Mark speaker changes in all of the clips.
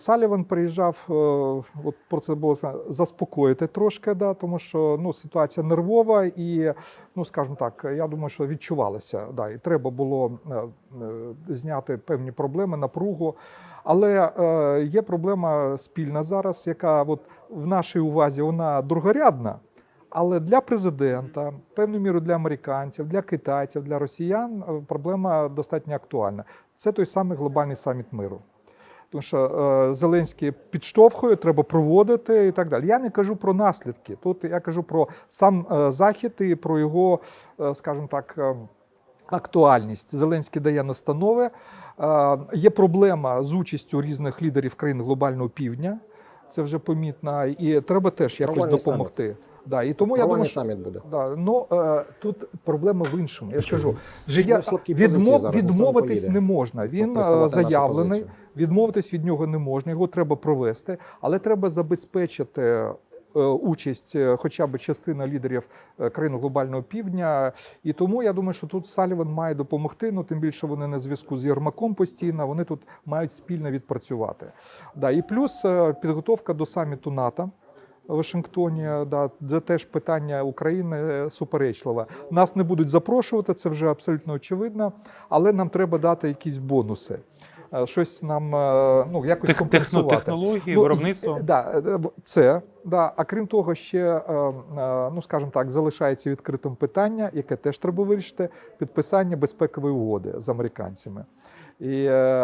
Speaker 1: Саліван приїжджав, от про це було заспокоїти трошки, да, тому що ну, ситуація нервова і, ну, скажімо так, я думаю, що відчувалося, да, і треба було зняти певні проблеми, напругу. Але є проблема спільна зараз, яка от в нашій увазі вона другорядна, але для президента, певною мірою для американців, для китайців, для росіян проблема достатньо актуальна. Це той самий глобальний саміт миру. Тому що Зеленський підштовхує, треба проводити і так далі. Я не кажу про наслідки, тут я кажу про сам захід і про його, скажімо так, актуальність. Зеленський дає настанови. Є проблема з участю різних лідерів країн глобального півдня, це вже помітно, і треба теж якось допомогти. Да, і тому я думаю, що
Speaker 2: саміт буде.
Speaker 1: Да, ну, тут проблема в іншому. Я ж кажу, відмовитись не можна. Він заявлений, відмовитись від нього не можна, його треба провести, але треба забезпечити участь хоча б частина лідерів країн глобального півдня. І тому я думаю, що тут Саліван має допомогти, ну тим більше вони на зв'язку з Єрмаком постійно, вони тут мають спільно відпрацювати. Да, і плюс підготовка до саміту НАТО в Вашингтоні, да, де теж питання України суперечливе. Нас не будуть запрошувати, це вже абсолютно очевидно, але нам треба дати якісь бонуси. Щось нам, ну, якось компенсувати.
Speaker 3: Технології, виробництво.
Speaker 1: Да, це, да. А крім того, ще, ну, скажімо так, залишається відкритим питання, яке теж треба вирішити, підписання безпекової угоди з американцями. І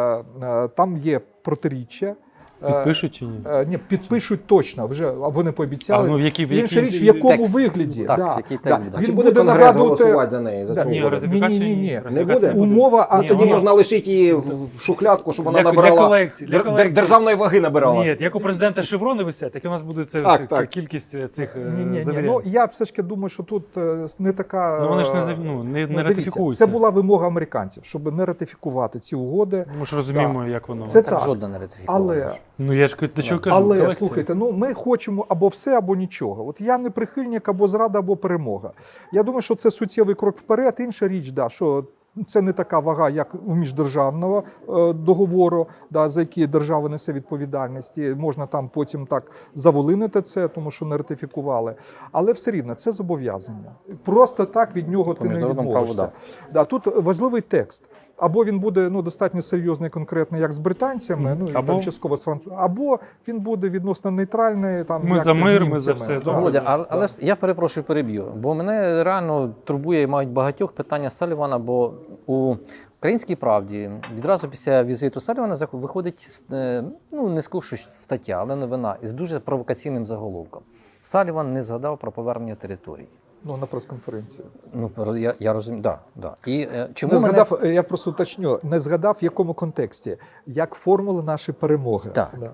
Speaker 1: там є протиріччя.
Speaker 3: Підпишуть чи ні?
Speaker 1: Ні, підпишуть точно, вже вони пообіцяли.
Speaker 3: Ну,
Speaker 1: інша річ, в якому вигляді.
Speaker 2: Так,
Speaker 1: да,
Speaker 2: який текст буде.
Speaker 1: Він
Speaker 2: Чи буде Конгрес голосувати за неї, за цю угоду?
Speaker 1: Ні.
Speaker 2: Не буде?
Speaker 1: Умова,
Speaker 2: А тоді можна лишити її в шухлядку, щоб вона набирала, державної ваги набирала.
Speaker 3: Ні, як у президента шеврони висять, так і у нас буде кількість цих завірянь.
Speaker 1: Ну, я все ж таки думаю, що тут не така...
Speaker 3: Ну, вони ж не ратифікуються.
Speaker 1: Це була вимога американців, щоб не ратифікувати ці угоди.
Speaker 3: Ми ж розуміємо, як воно.
Speaker 1: Це
Speaker 2: так.
Speaker 1: Так.
Speaker 2: Жодна не ратифікована.
Speaker 1: Але...
Speaker 3: Ну, я ж до чого кажу.
Speaker 1: Але, слухайте, ну ми хочемо або все, або нічого. От я не прихильник або зрада, або перемога. Я думаю, що це суттєвий крок вперед. Інша річ, да, що це не така вага, як у міждержавного договору, да, за який держава несе відповідальність. І можна там потім так заволинити це, тому що не ратифікували. Але все рівно, це зобов'язання. Просто так від нього ти не відмовишся. Да, тут важливий текст. Або він буде достатньо серйозний, конкретний, як з британцями, там частково з французами, або він буде відносно нейтральний. Там,
Speaker 3: ми
Speaker 1: як
Speaker 3: за мир,
Speaker 1: ми
Speaker 3: за все.
Speaker 1: Да.
Speaker 2: Володя, але я перепрошую, переб'ю, бо мене реально турбує, мають багатьох питання Салівана, бо у «Українській правді» відразу після візиту Салівана виходить, не скажу стаття, але новина із дуже провокаційним заголовком. Саліван не згадав про повернення територій.
Speaker 1: Ну, на прес-конференції.
Speaker 2: Ну, я розумію, да. І чому
Speaker 1: не згадав, я просто уточню, не згадав, в якому контексті, як формули нашої перемоги.
Speaker 2: Так.
Speaker 1: Да.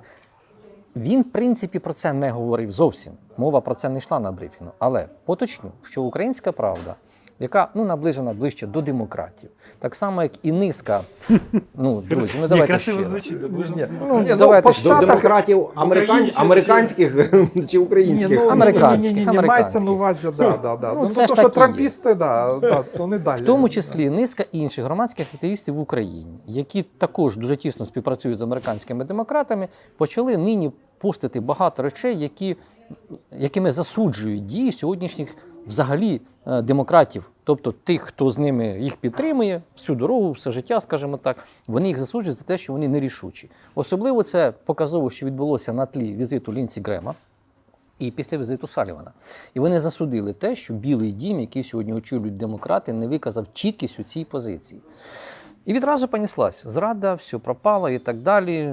Speaker 2: Він, в принципі, про це не говорив зовсім. Мова про це не йшла на брифінгу. Але поточню, що «Українська правда», яка наближена ближче до демократів, так само, як і низка, друзі, давайте
Speaker 3: красиво
Speaker 2: щиро.
Speaker 3: звучить,
Speaker 2: Давайте
Speaker 1: щиро.
Speaker 2: до
Speaker 1: демократів
Speaker 2: американських чи українських?
Speaker 1: Американських. Мається на увазі,
Speaker 2: це ж
Speaker 1: що
Speaker 2: такі
Speaker 1: трампісти, то не далі.
Speaker 2: В тому числі низка інших громадських активістів в Україні, які також дуже тісно співпрацюють з американськими демократами, почали нині постити багато речей, якими засуджують дії сьогоднішніх взагалі демократів, тобто тих, хто з ними їх підтримує всю дорогу, все життя, скажімо так, вони їх засуджують за те, що вони нерішучі. Особливо це показово, що відбулося на тлі візиту Лінсі Грема і після візиту Салівана. І вони засудили те, що Білий дім, який сьогодні очолюють демократи, не виказав чіткість у цій позиції. І відразу понеслась зрада, все пропало і так далі.